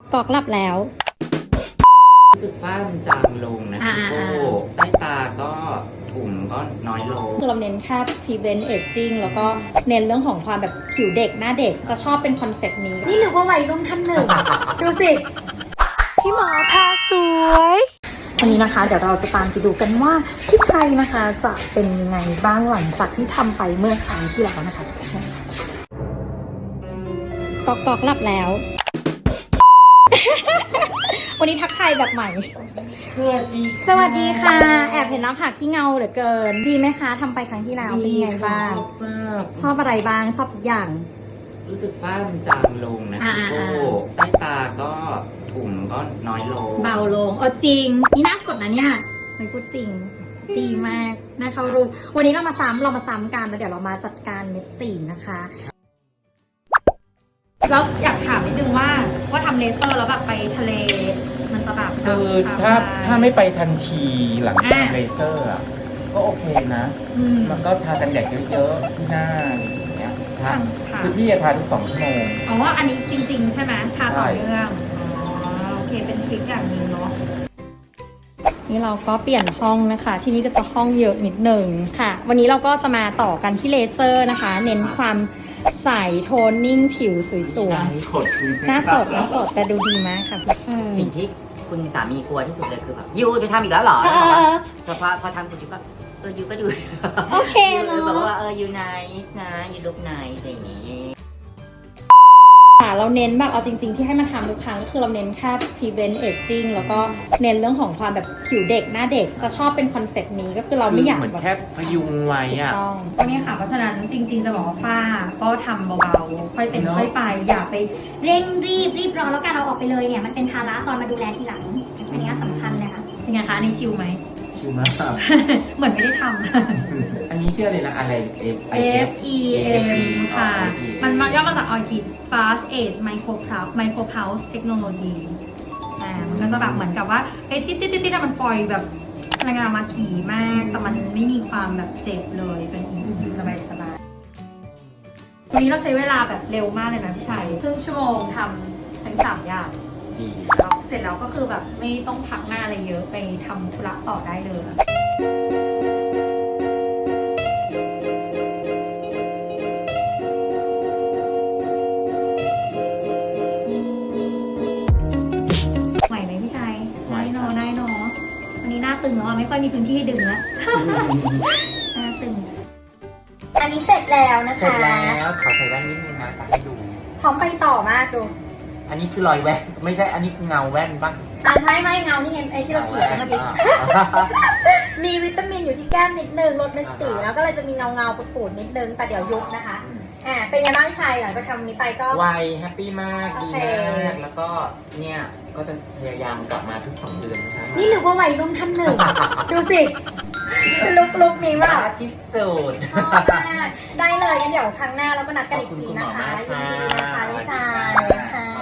กอกหลับแล้วรู้สึกฝ้ามันจางลงนะพี่โก้ใต้ตาก็ถุงก็น้อยลงคือเราเน้นแค่ prevent aging แล้วก็เน้นเรื่องของความแบบผิวเด็กหน้าเด็กจะชอบเป็นคอนเซ็ปต์นี้นี่หรือว่าวัยรุ่นท่านหนึ่ง ดูสิพี่หมอพาสวยวันนี้นะคะเดี๋ยวเราจะตามไปดูกันว่าพี่ชัยนะคะจะเป็นยังไงบ้างหลังจากที่ทำไปเมื่อครั้งที่แล้วนะคะกอกหลับแล้ว วันนี้ทักทายแบบใหม่ สวัสดีค่ะแอบเห็นน้ำผักที่เงาเหลือเกินดีไหมคะทำไปครั้งที่แล้วเป็นไงบ้างชอบอะไรบ้างชอบทุกอย่างรู้สึกฝ้ามันจางลงนะพี่โก้ใต้ตาก็ถุงก็น้อยลงเบาลงจริงนี่น่ากดนะเนี่ยไม่พูดจริงดีมากน่าเข้ารูวันนี้เรามาซ้ำกันแล้วเดี๋ยวเรามาจัดการเม็ดสีนะคะแล้วอยากถามนิดนึงว่าทำเลเซอร์แล้วแบบไปทะเลมันจะแบบคือถ้าไม่ไปทันทีหลังจากเลเซอร์อ่ะก็โอเคนะมันก็ทากันแดดเยอะๆที่หน้าอย่างเงี้ยคือพี่จะทาทุก2 ชั่วโมงอ๋ออันนี้จริงๆใช่ไหมทาต่อเนื่องโอเคเป็นทริคอย่างนึงเนาะนี่เราก็เปลี่ยนห้องนะคะที่นี่ก็จะห้องเยอะนิดนึงค่ะวันนี้เราก็จะมาต่อกันที่เลเซอร์นะคะเน้นความใสโทนนิ่งผิวสวยๆหน้าสดแต่ดูดีมากค่ะสิ่งที่คุณสามีกลัวที่สุดเลยคือแบบยูไปทำอีกแล้วเหรอแต่พอทำเสร็จยูก็ยูก็ดูโอเคเนาะแบบว่ายูไนส์นะยูลุคไนส์อะไรอย่างงี้เราเน้นแบบเอาจริงๆที่ให้มันทำทุกครั้งก็คือเราเน้นแค่ prevent aging แล้วก็เน้นเรื่องของความแบบผิวเด็กหน้าเด็กจะชอบเป็นคอนเซ็ปต์นี้ก็คือเราไม่อยากเหมือนแค่พยุงไว้อะตรงนี้ค่ะเพราะฉะนั้นจริงๆจะบอกว่าฝ้าก็ทำเบาๆค่อยเป็นค่อยไปอย่าไปเร่งรีบร้อนแล้วการเอาออกไปเลยเนี่ยมันเป็นภาระตอนมาดูแลทีหลังอันนี้สำคัญเลยค่ะเป็นไงคะอันนี้ชิลไหมชิลมากเหมือนไม่ได้ทำอันนี้เชื่อเลยนะอะไร FEM ค่ะมันย่อมาจาก Orchid Fast Age Micro Pulse Technology มันก็จะแบบเหมือนกับว่าติ๊ดมันปล่อยแบบพลังงานมาถี่มากแต่มันไม่มีความแบบเจ็บเลยเป็นสบายวันนี้เราใช้เวลาแบบเร็วมากเลยนะพี่ชัยครึ่งชั่วโมงทำทั้ง3 อย่างเสร็จแล้วก็คือแบบไม่ต้องพักหน้าอะไรเยอะไปทำธุระต่อได้เลยไหวไหมพี่ชัยได้เนาะวันนี้หน้าตึงแล้วไม่ค่อยมีพื้นที่ให้ดึงแล้วหน้าตึงอันนี้เสร็จแล้วนะคะเสร็จแล้วขอใส่แว่นนิดนึงนะตัดให้ดูพร้อมไปต่อมากดูอันนี้คือรอยแว่นไม่ใช่อันนี้เงาแว่นปะใช่ไม่เงานี่ไงไอ้ที่เราฉีดเมื่อกี้มีวิตามินอยู่ที่แก้มนิดนึงลดเม็ดสีแล้วก็เลยจะมีเงาปูดนิดนึงแต่เดี๋ยวยุบนะคะเป็นไงบ้างชัยหลังจากทำนี้ไปก็ไวแฮปปี้มากดีมากแล้วก็เนี่ยก็จะพยายามกลับมาทุก2 เดือนนะคะนี่หรือว่าวัยรุ่นท่านหนึ่ง ดูสิลุกนี้ว่าที่สุดได้เลยงั้นเดี๋ยวครั้งหน้าเราก็นัดกันอีกทีนะคะยินดีนะคะพี่ชัยค่ะ